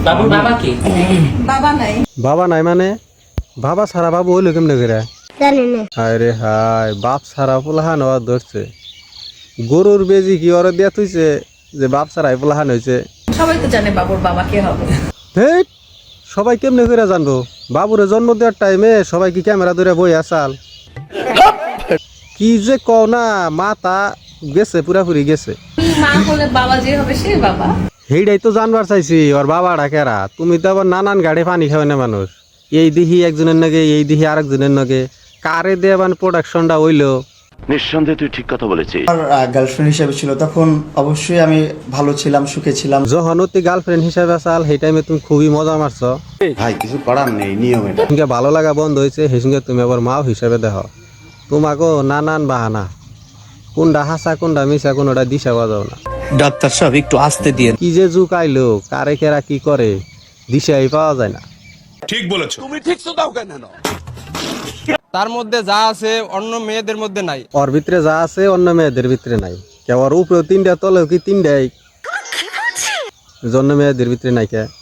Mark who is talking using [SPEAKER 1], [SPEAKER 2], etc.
[SPEAKER 1] বাবুর বাবা কি?
[SPEAKER 2] বাবা নাই মানে বাবা ছাড়া বাবু হইলো কেমনে করে?
[SPEAKER 3] জানি না।
[SPEAKER 2] আরে হাই, বাপ ছাড়া পোলাহান হওয়া ধরছে। গরুর বেজি কি ওরা দিয়া থইছে যে বাপ ছাড়াই পোলাহান হয়েছে?
[SPEAKER 4] সবাই তো জানে বাবুর বাবা কে হবে।
[SPEAKER 2] হেই, সবাই কেমনে করে জানবো? বাবুরে জন্ম দেওয়ার টাইমে সবাই কি ক্যামেরা ধরে বই আসাল? কি যে কও না, মাথা গেছে, পুরাপুরি গেছে।
[SPEAKER 4] মা হলে বাবা যে হবে সে বাবা।
[SPEAKER 2] সেইটাই তো জানবার চাইছি, ওর বাবা ডাকেরা। তুমি তো আবার নানান গাড়ি পানি খাওয়া না মানুষ। এই দিহি একজনের নাগে, এই দিহি আরেকজনের নাগে, কারে দিয়ে মানে প্রোডাকশনটা হইলো।
[SPEAKER 5] নিঃসন্দেহে তুই ঠিক কথা বলেছিস।
[SPEAKER 6] আমার গার্লফ্রেন্ড হিসেবে ছিল, তখন অবশ্যই আমি ভালো ছিলাম, সুখে ছিলাম।
[SPEAKER 2] যখন তুই গার্লফ্রেন্ড হিসাবে আসাল, সেই টাইমে তুমি খুবই মজা মারছো।
[SPEAKER 5] ভাই কিছু করার নেই, নিয়ম এটা।
[SPEAKER 2] তোমাকে ভালো লাগা বন্ধ হয়েছে, সেই সঙ্গে তুমি আবার মাও হিসাবে দেখো। তোমাকেও নানান বাহানা, কোনটা হাসা কোনটা মিশা কোনটা দিশা বাজাও না।
[SPEAKER 7] ডাক্তার সাহেব একটু আসতে দিয়ে।
[SPEAKER 2] কি যে যুগ আইলো, কারে কেরা কি করে দিশাই পাওয়া যায় না।
[SPEAKER 8] ঠিক বলেছো।
[SPEAKER 9] তার মধ্যে যা আছে অন্য মেয়েদের মধ্যে নাই।
[SPEAKER 2] ওর ভিতরে যা আছে অন্য মেয়েদের ভিতরে নাই। কেউ ওর উপরেও তিনটা, তলেও কি তিনটাই, জন্য মেয়েদের ভিতরে নাই কে?